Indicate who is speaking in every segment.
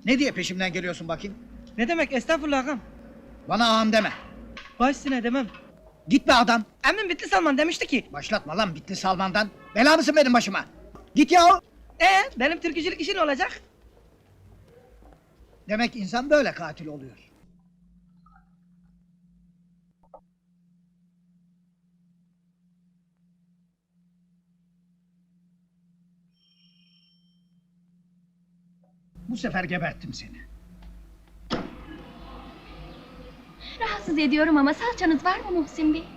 Speaker 1: Ne diye peşimden geliyorsun bakayım?
Speaker 2: Ne demek estağfurullah ağam.
Speaker 1: Bana ağam deme.
Speaker 2: Baş üstüne demem.
Speaker 1: Git be adam.
Speaker 2: Emmim Bitlis Salman demişti ki.
Speaker 1: Başlatma lan Bitlis Salman'dan. Bela mısın benim başıma? Git yahu.
Speaker 2: Benim türkücülük işin olacak.
Speaker 1: Demek insan böyle katil oluyor. Bu sefer geberttim seni.
Speaker 3: Rahatsız ediyorum ama salçanız var mı Muhsin Bey?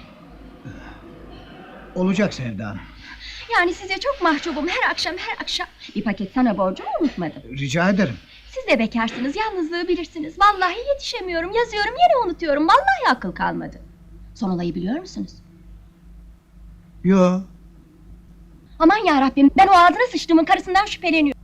Speaker 1: Olacak Sevda Hanım.
Speaker 3: Yani size çok mahcubum her akşam. Bir paket sana borcumu unutmadım.
Speaker 1: Rica ederim.
Speaker 3: Siz de bekarsınız, yalnızlığı bilirsiniz. Vallahi yetişemiyorum, yazıyorum, yine unutuyorum. Vallahi akıl kalmadı. Son olayı biliyor musunuz?
Speaker 1: Yo.
Speaker 3: Aman yarabbim, ben o ağzına sıçtığımın karısından şüpheleniyorum.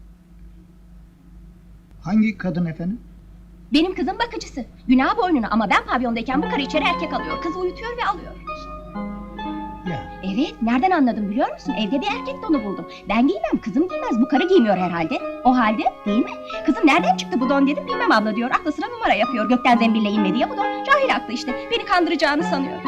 Speaker 1: Hangi kadın efendim?
Speaker 3: Benim kızım bakıcısı. Günah boynuna ama ben pavyondayken bu karı içeri erkek alıyor. Kızı uyutuyor ve alıyor.
Speaker 1: Ya.
Speaker 3: Evet, nereden anladım biliyor musun? Evde bir erkek donu buldum. Ben giymem, kızım giymez. Bu karı giymiyor herhalde. O halde, değil mi? Kızım nereden çıktı bu don dedim, bilmem abla diyor. Aklı sıra numara yapıyor. Gökten zembille inmedi ya bu don. Cahil aklı işte. Beni kandıracağını sanıyor.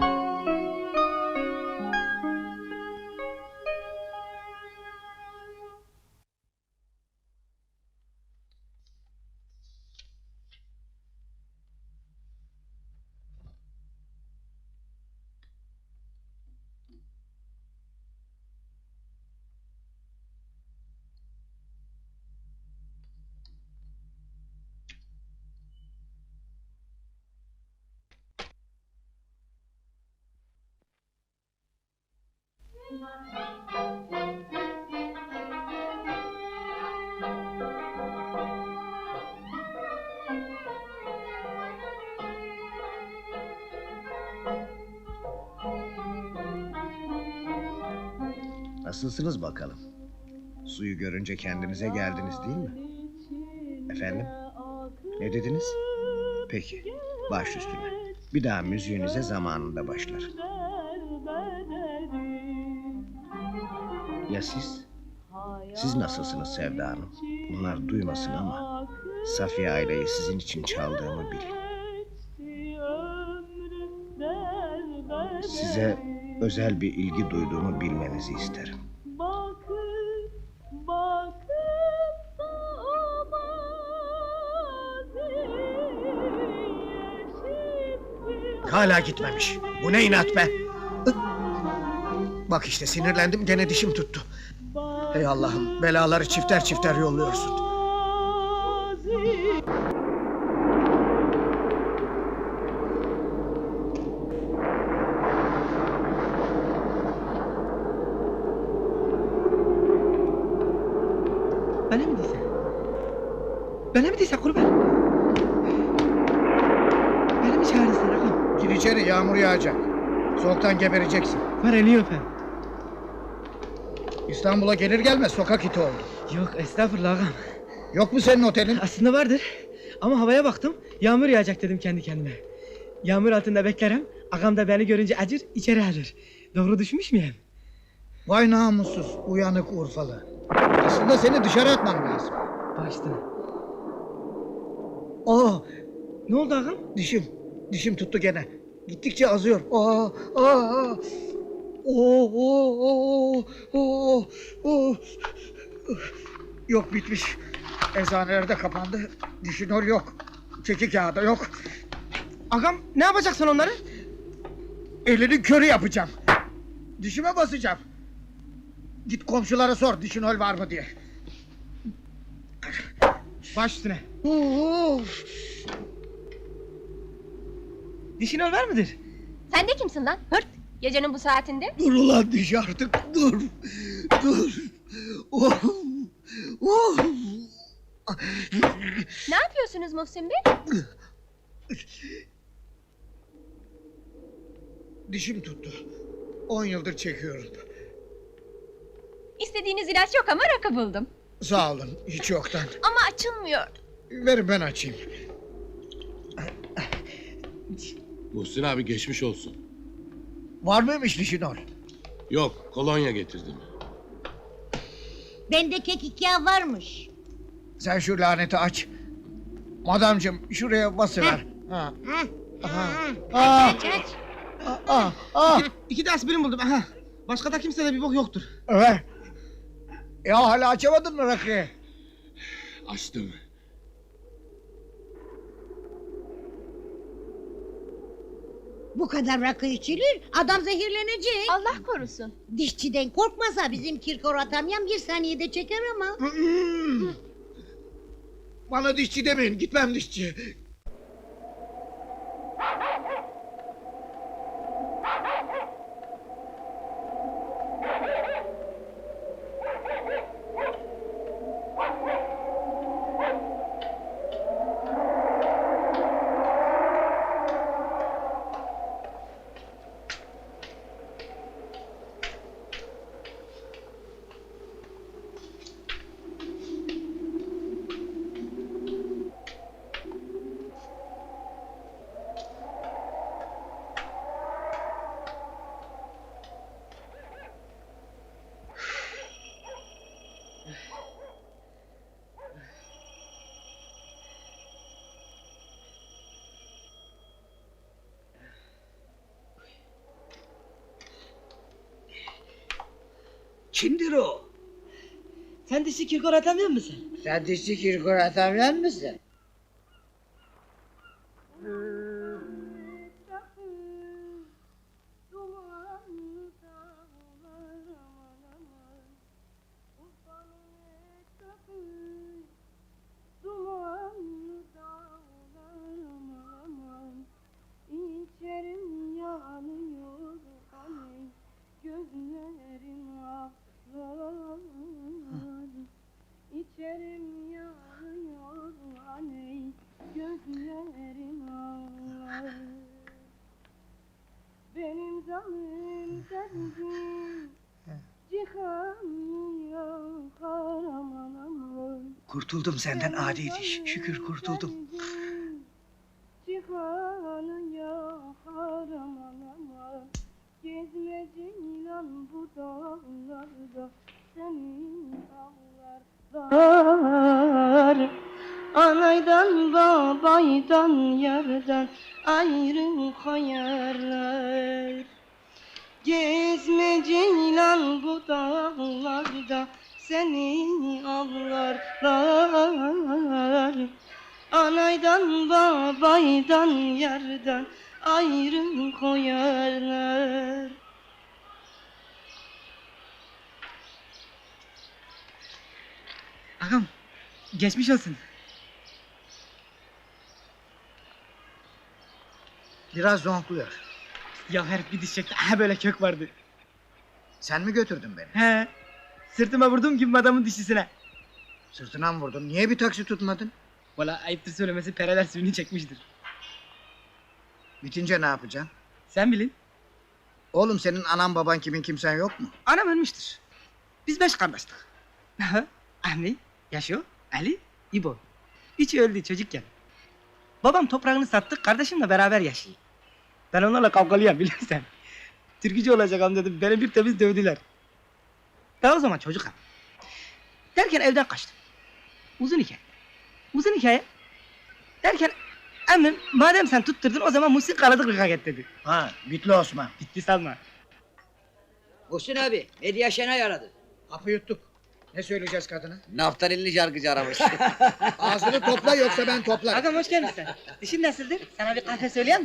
Speaker 4: Nasılsınız bakalım? Suyu görünce kendinize geldiniz değil mi? Efendim? Ne dediniz? Peki, baş üstüne. Bir daha müziğinize zamanında başlar. Ya siz? Siz nasılsınız Sevda Hanım? Bunlar duymasın ama Safiye aileyi sizin için çaldığımı bilin. Size özel bir ilgi duyduğumu bilmenizi isterim.
Speaker 1: Hala gitmemiş. Bu ne inat be? Bak işte sinirlendim, gene dişim tuttu. Hey Allah'ım, belaları çifter çifter yolluyorsun.
Speaker 2: Bana mı diysen? Bana mı diysen kurban? Beni mi çağırırsın ağam?
Speaker 1: Gir içeri, yağmur yağacak. Soğuktan gebereceksin.
Speaker 2: Var eli öpem.
Speaker 1: İstanbul'a gelir gelmez sokak iti oldu.
Speaker 2: Yok estağfurullah ağam.
Speaker 1: Yok mu senin otelin?
Speaker 2: Aslında vardır. Ama havaya baktım, yağmur yağacak dedim kendi kendime. Yağmur altında beklerim, ağam da beni görünce acır, içeri alır. Doğru düşmüş müyüm?
Speaker 1: Vay namussuz, uyanık Urfalı. Aslında seni dışarı atmam lazım.
Speaker 2: Başta.
Speaker 1: Aa,
Speaker 2: Ne oldu ağam?
Speaker 1: dişim tuttu gene. Gittikçe azıyor. Aa. Oo. Yok, bitmiş. Eczaneler de kapandı. Dişinol yok. Çeki kağıdı yok.
Speaker 2: Ağam ne yapacaksın onları?
Speaker 1: Elinin körü yapacağım. Dişime basacağım. Git komşulara sor dişinol var mı diye.
Speaker 2: Baş üstüne.
Speaker 1: Oo.
Speaker 2: Dişin ol var mıdır?
Speaker 3: Sen de kimsin lan? Hırt! Gecenin bu saatinde.
Speaker 1: Dur ulan diş artık, dur. Oh.
Speaker 3: Ne yapıyorsunuz Muhsin Bey?
Speaker 1: Dişim tuttu. 10 yıldır çekiyorum.
Speaker 3: İstediğiniz ilaç yok ama rakı buldum.
Speaker 1: Sağ olun, hiç yoktan.
Speaker 3: Ama açılmıyor.
Speaker 1: Verin ben açayım.
Speaker 5: Muhsin abi geçmiş olsun.
Speaker 1: Var mıymış dişinol?
Speaker 5: Yok, kolonya getirdim.
Speaker 6: Bende kekik yağı varmış.
Speaker 1: Sen şu laneti aç. Madamcığım şuraya basıver. Ha. Aha.
Speaker 6: Aç aç.
Speaker 2: İki de aspirin buldum. Aha. Başka da kimsede bir bok yoktur.
Speaker 1: Evet. Ya hala açamadın mı rakıyı?
Speaker 5: Açtım.
Speaker 6: Bu kadar rakı içilir, adam zehirlenecek.
Speaker 3: Allah korusun.
Speaker 6: Dişçiden korkmasa bizim Kirkor atamyan bir saniyede çeker ama.
Speaker 1: Bana dişçi demeyin, gitmem dişçi.
Speaker 4: Kimdir o?
Speaker 2: Sen dişi Kirkor atamıyor musun?
Speaker 1: Sen dişçi Kirkor atamyan mısın?
Speaker 7: İçerim yanıyor aney, gözlerim ağlar. İçerim yanıyor aney, gözlerim ağlar. Benim canım derdim, cihan yakar aman aman.
Speaker 4: Kurtuldum senden adi diş. Şükür kurtuldum.
Speaker 7: Cihanı yakar aman aman. Gezme ceylan bu dağlarda, seni avlar. Anaydan babaydan yerden ayrı koyarlar. Gezme ceylan bu dağlarda, seni avlarlar. Anaydan babaydan yerden ayrı koyarlar.
Speaker 2: Ağam geçmiş olsun.
Speaker 1: Biraz zonkluyor.
Speaker 2: Ya herif bir diş çekti. Aha böyle kök vardı.
Speaker 1: Sen mi götürdün beni?
Speaker 2: He. Sırtıma vurdum gibi adamın dişisine.
Speaker 1: Sırtına mı vurdun? Niye bir taksi tutmadın?
Speaker 2: Valla ayıptır söylemesi pereler suyunu çekmiştir.
Speaker 1: Bitince ne yapacaksın?
Speaker 2: Sen bilin.
Speaker 1: Oğlum senin anan baban kimin kimsen yok mu?
Speaker 2: Anam ölmüştür. Biz 5 kardeştik. Ahmet, Yaşo, Ali, İbo. Üçü öldü çocukken. Babam toprağını sattı, kardeşimle beraber yaşıyor. Ben onlarla kavgalıyım bilirsen. Türkücü olacağım dedim, beni bir temiz dövdüler. Daha o zaman çocuk abi. Derken evden kaçtım. Uzun hikaye. Uzun hikaye. Derken emmim madem sen tutturdun o zaman Muhsin Karadıklık'a git dedi.
Speaker 1: Ha, Bitli Osman.
Speaker 2: Bitti sanma.
Speaker 8: Muhsin abi, Medya Şenay aradı.
Speaker 1: Hapı yuttuk. Ne söyleyeceğiz kadına?
Speaker 8: Naftalinli şarkıcı aramış.
Speaker 1: Ağzını topla yoksa ben toplarım.
Speaker 2: Ağam hoş geldin sen. Dişin nasıldır? Sana bir kahve söyleyeyim mi?